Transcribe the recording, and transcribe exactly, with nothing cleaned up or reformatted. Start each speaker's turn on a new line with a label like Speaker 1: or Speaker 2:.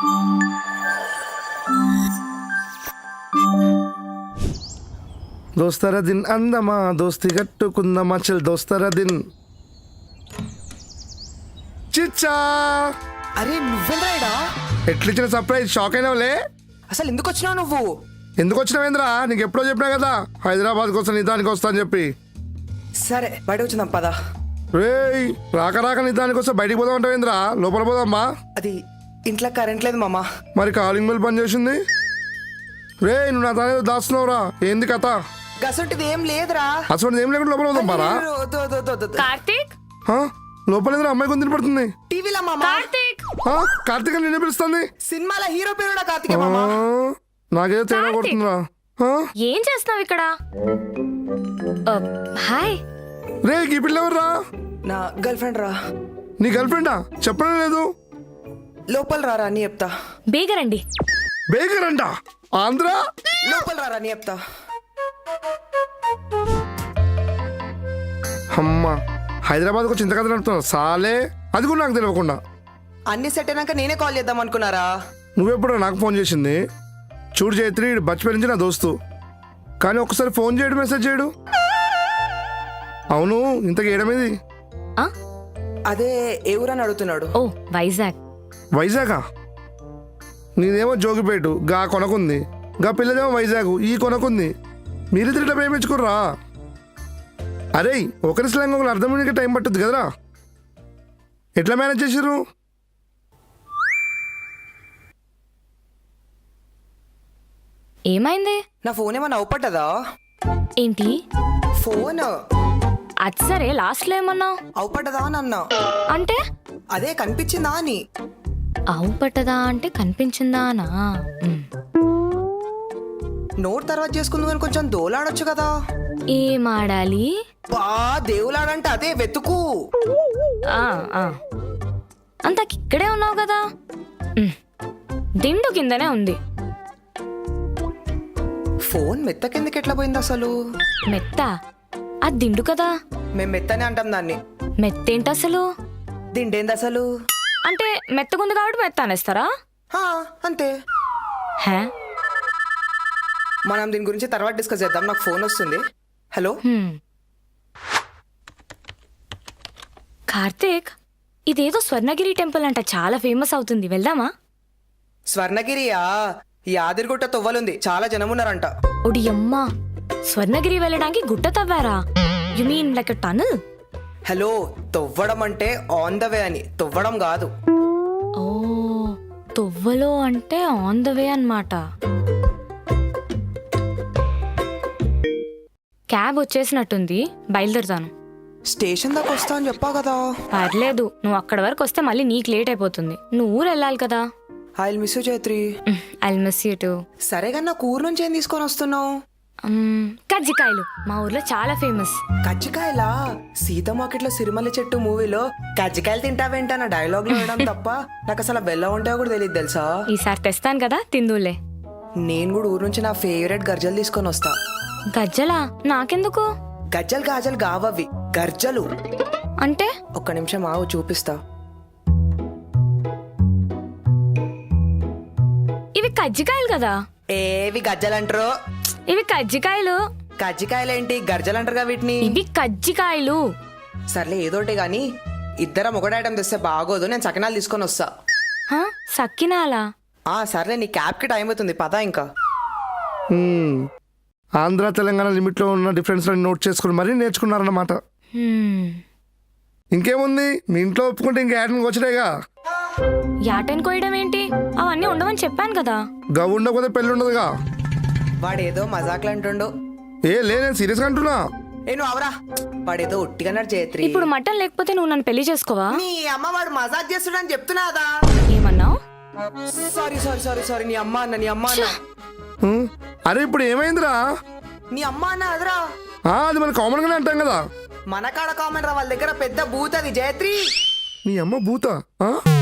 Speaker 1: దోస్తర దిన్ అందమా దోస్తి కట్టుకుందమా చల్ దోస్తర దిన్ చిచ్చా.
Speaker 2: అరే నువ్వెంద్రాయిడా?
Speaker 1: ఎట్లిచ్చిన సర్ప్రైజ్ షాక్ అయినావులే.
Speaker 2: అసలు ఎందుకు వచ్చినావు నువ్వు?
Speaker 1: ఎందుకు వచ్చినావేంద్రా? నీకు ఎప్పుడో చెప్పినా కదా హైదరాబాద్కి వస్తా నిదానికి వస్తా అని చెప్పి.
Speaker 2: సరే బయట వచ్చిందాం పదా.
Speaker 1: రేయ్ రాక రాక నిదానికి వస్తే బయటికి పోదాం అంటావేంద్రా? లోపల పోదామ్మా.
Speaker 2: అది ఇంట్లో కరెంట్ లేదు మామా.
Speaker 1: మరి కాలింగ్ బెల్ పని చేసింది. రే నువ్వు నా తనేదో దాస్తున్నావురా, ఏంది కథ?
Speaker 2: గసంటిది ఏం లేదురా.
Speaker 1: అసలు ఏం లేకుండా లోపల పోదాం పారా.
Speaker 3: కార్తీక్
Speaker 1: లోపల ఏదో అమ్మాయి కొంత పడుతుంది.
Speaker 2: టీవీలో మామా.
Speaker 3: కార్తీక్
Speaker 1: కార్తీక్ నిన్నే పిలుస్తుంది.
Speaker 2: సినిమాల హీరో పేరు కార్తీక్ మామా.
Speaker 1: నాకేదో తేడా కొడుతుందిరా.
Speaker 3: ఏం చేస్తున్నావు ఇక్కడ? హాయ్.
Speaker 1: రే ఈ పిల్ల ఎవర్రా?
Speaker 2: నా గర్ల్ ఫ్రెండ్ రా.
Speaker 1: నీ గర్ల్ ఫ్రెండా? చెప్పడం లేదు.
Speaker 2: లోపల రారా అని చెప్తా.
Speaker 3: బేగరండి.
Speaker 1: బేగర్ అంట ఆంధ్ర.
Speaker 2: లోపల రారా అని చెప్తా.
Speaker 1: అమ్మా హైదరాబాద్కు వచ్చి ఇంత కథ నడుపుతున్నావు సాలే. అది కూడా నాకు తెలియకుండా.
Speaker 2: అన్ని సెట్ అయినాక నేనే కాల్ చేద్దాం అనుకున్నారా?
Speaker 1: నువ్వెప్పుడు నాకు ఫోన్ చేసింది? చూడు జైత్రి బచ్చిపోయి నుంచి నా దోస్తు, కానీ ఒక్కసారి ఫోన్ చేయడు మెసేజ్ చేయడు. అవును ఇంతకు ఏడమేది?
Speaker 2: అదే ఏ ఊరని అడుగుతున్నాడు.
Speaker 3: ఓ వైజాగ్.
Speaker 1: వైజాగా? నీదేమో జోగిపేటు గా కొనకుంది, గా పిల్లదేమో వైజాగ్ ఈ కొనకుంది. మీరిద్దరు ఇట్లా ప్రేమించుకుర్రా? అరే ఒకరి స్లాంగ్ ఒకరు అర్థమయ్యే టైం పట్టుద్ది కదరా. ఎట్లా మేనేజ్ చేసిర్రు?
Speaker 3: ఏమైంది?
Speaker 2: నా ఫోన్ ఏమన్నా అవుపట్టదా?
Speaker 3: ఏంటి
Speaker 2: ఫోన్?
Speaker 3: అది సరే లాస్ట్ లో ఏమన్నావు?
Speaker 2: అవుపట్టదా అని అన్నా.
Speaker 3: అంటే
Speaker 2: అదే కనిపించిందా అని.
Speaker 3: అవు పట్టదా అంటే కనిపించిందా అనా?
Speaker 2: నోట్ తర్వాత చేసుకుందాం అని కొంచెం దోలాడొచ్చు కదా.
Speaker 3: ఏం ఆడాలి?
Speaker 2: బా దేవులాడంటే అదే వెతుకు.
Speaker 3: అంతకి ఇక్కడే ఉన్నావు కదా. దిండు కిందనే ఉంది.
Speaker 2: ఫోన్ మెత్త కిందకి ఎట్లా పోయింది అసలు?
Speaker 3: మెత్త? అది దిండు కదా.
Speaker 2: మేము మెత్తనే అంటాం దాన్ని.
Speaker 3: మెత్తేంటి అసలు?
Speaker 2: దిండేంది అసలు?
Speaker 3: అంటే మెత్తగుంది కాబట్టి మెత్త అనేస్తారా?
Speaker 2: అంతే.
Speaker 3: హే
Speaker 2: మనం దీని గురించి తర్వాత డిస్కస్ చేద్దాం. నాకు ఫోన్ వస్తుంది. హలో
Speaker 3: కార్తీక్, ఇదేదో స్వర్ణగిరి టెంపుల్ అంట, చాలా ఫేమస్ అవుతుంది, వెళ్దామా?
Speaker 2: స్వర్ణగిరియా? యాదిరిగుట్ట తొవ్వలుంది, చాలా జనం ఉన్నారంట.
Speaker 3: ఒడి అమ్మా, స్వర్ణగిరి వెళ్ళడానికి గుట్ట తవ్వారా? You mean like a tunnel?
Speaker 2: Hello, తొవ్వడం అంటే ఆన్ ద వే అని, తొవ్వడం కాదు.
Speaker 3: ఓ తొవ్వలో అంటే ఆన్ ద వే అన్నమాట. క్యాబ్ వచ్చేసినట్టుంది, బయలుదేరుతాను.
Speaker 2: స్టేషన్ దాకా వస్తా అని చెప్పావు కదా.
Speaker 3: పర్లేదు, నువ్వు అక్కడ వరకు వస్తే మళ్ళీ నీకు లేట్ అయిపోతుంది. నువ్వు ఊరు వెళ్ళాలి కదా.
Speaker 2: I will miss you Chaitri.
Speaker 3: I will miss you too.
Speaker 2: సరే కానీ నాకు ఊరు నుంచి ఏం తీసుకొని వస్తున్నావు?
Speaker 3: కజ్జికాయలు మా ఊర్లో చాలా ఫేమస్.
Speaker 2: కజ్జికాయలా? సీత మార్కెట్ లో సిరిమల్లి చెట్టు మూవీలో కజ్జికాయలు తింటావేంట నా డైలాగ్ లో వేయడం తప్ప నాకు అసలు బెల్ల ఉంటాయో కూడా తెలియదు తెలుసా.
Speaker 3: ఈసారి తెస్తాను కదా, తిందులే.
Speaker 2: నేను కూడా ఊరు నుంచి నా ఫేవరెట్ గర్జలు తీసుకొని వస్తా.
Speaker 3: గజ్జలా? నాకెందుకు?
Speaker 2: గజ్జలు గాజలు కావవి, గర్జలు.
Speaker 3: అంటే?
Speaker 2: ఒక్క నిమిషం ఆవు, చూపిస్తా.
Speaker 3: ఇవి కజ్జికాయలు కదా.
Speaker 2: ఏవి గజ్జలు అంటారు?
Speaker 3: ఇవి కజ్జికాయలు.
Speaker 2: కజ్జికాయలు ఏంటి, గర్జలు అంటారుగా వీటిని.
Speaker 3: ఇవి కజ్జికాయలు.
Speaker 2: సర్లే ఏదోటి గాని ఇద్దరం ఒకటి ఐటమ్ తెస్తే బాగోదు, నేను సకినాలు తీసుకొని వస్తా.
Speaker 3: సక్కినాలా?
Speaker 2: ఆ సర్లే, నీ క్యాబ్ కి టైం అవుతుంది, పదా ఇంకా.
Speaker 1: ఆంధ్ర తెలంగాణ లిమిట్లో ఉన్న డిఫరెన్స్ నోట్ చేసుకుని మరీ నేర్చుకున్నారన్నమాట. ఇంకేముంది, మీ ఇంట్లో ఒప్పుకుంటే ఇంకా యాటన్ వచ్చేగా.
Speaker 3: యాటన్ కోయడం ఏంటి? అవన్నీ ఉండవని చెప్పాను కదా.
Speaker 1: గవ్ ఉండకపోతే పెళ్ళి ఉండదుగా.
Speaker 2: వాడేదో మజాక్లు అంటుండు.
Speaker 1: ఏ లే, నేను సీరియస్ గా అంటున్నా.
Speaker 2: ఏ నువ్వు అవరా, వాడేదో ఒట్టిగా చైత్రి.
Speaker 3: ఇప్పుడు మటన్ లేకపోతే నువ్వు నన్ను పెళ్లి చేసుకోవా?
Speaker 2: నీ అమ్మ వాడు మజాక్ చేస్తున్నాడని చెప్తున్నాదా?
Speaker 3: ఏమన్నావు?
Speaker 2: సారీ సారీ సారీ సారీ నీ అమ్మ అన్న నీ అమ్మ అన్న.
Speaker 1: అరే ఇప్పుడు ఏమైందిరా?
Speaker 2: నీ అమ్మ అన్న అదరా.
Speaker 1: అది మనం కామన్ గానే అంటాం కదా.
Speaker 2: మన కాడ కామన్ రా, వాళ్ళ దగ్గర పెద్ద బూత్ అది జయత్రి.
Speaker 1: నీ అమ్మ బూత?